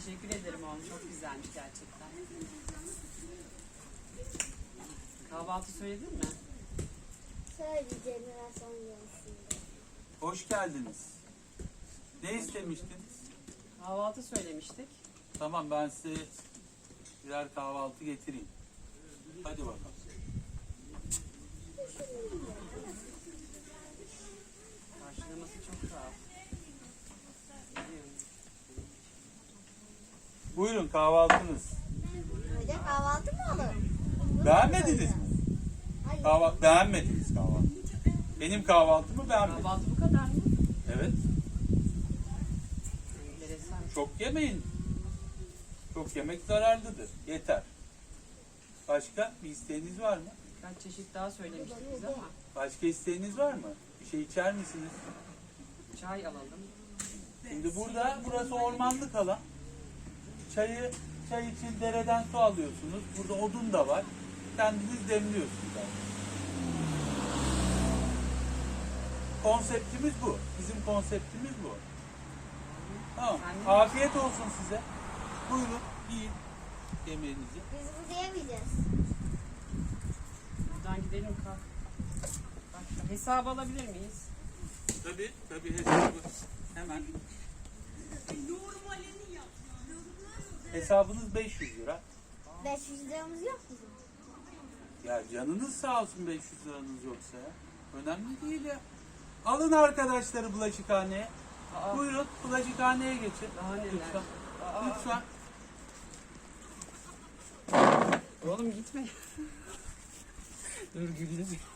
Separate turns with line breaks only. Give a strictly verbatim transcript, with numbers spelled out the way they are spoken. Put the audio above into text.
Teşekkür ederim oğlum. Çok güzelmiş gerçekten. Kahvaltı söyledin mi?
Söyleyeceğim biraz sonra yarısında.
Hoş geldiniz. Ne istemiştiniz?
Kahvaltı söylemiştik.
Tamam, ben size birer kahvaltı getireyim. Hadi bakalım.
Karşılaması çok sağ ol.
Buyurun kahvaltınız.
Öyle kahvaltı mı olur?
Beğenmediniz mi?
Hayır.
Kahvaltı beğenmediniz kahvaltı. Benim kahvaltımı beğenmediniz.
Kahvaltı bu kadar mı?
Evet.
Enteresan.
Çok yemeyin. Çok yemek zararlıdır. Yeter. Başka bir isteğiniz var mı?
Birkaç çeşit daha söylemiştik biz ama
Başka isteğiniz var mı? Bir şey içer misiniz?
çay alalım.
Şimdi burada, burası ormanlık alan. Çayı, çay için dereden su alıyorsunuz. Burada odun da var. Kendiniz demliyorsunuz. Yani. Konseptimiz bu. Bizim konseptimiz bu. Tamam. Afiyet olsun size. Buyurun, yiyin yemeğinizi.
Biz burada yemeyeceğiz.
Buradan gidelim kalk. Bak, hesabı alabilir miyiz?
Tabii, tabii hesabı hemen. Hesabınız beş yüz lira.
beş yüz liramız yok mu?
Ya canınız sağ olsun beş yüz liranız yoksa ya. Önemli değil ya. Alın arkadaşları bulaşıkhaneye.
Aa.
Buyurun bulaşıkhaneye geçin.
Daha neler?
Lütfen.
Aa.
Lütfen.
Oğlum gitme. Dur güldüm.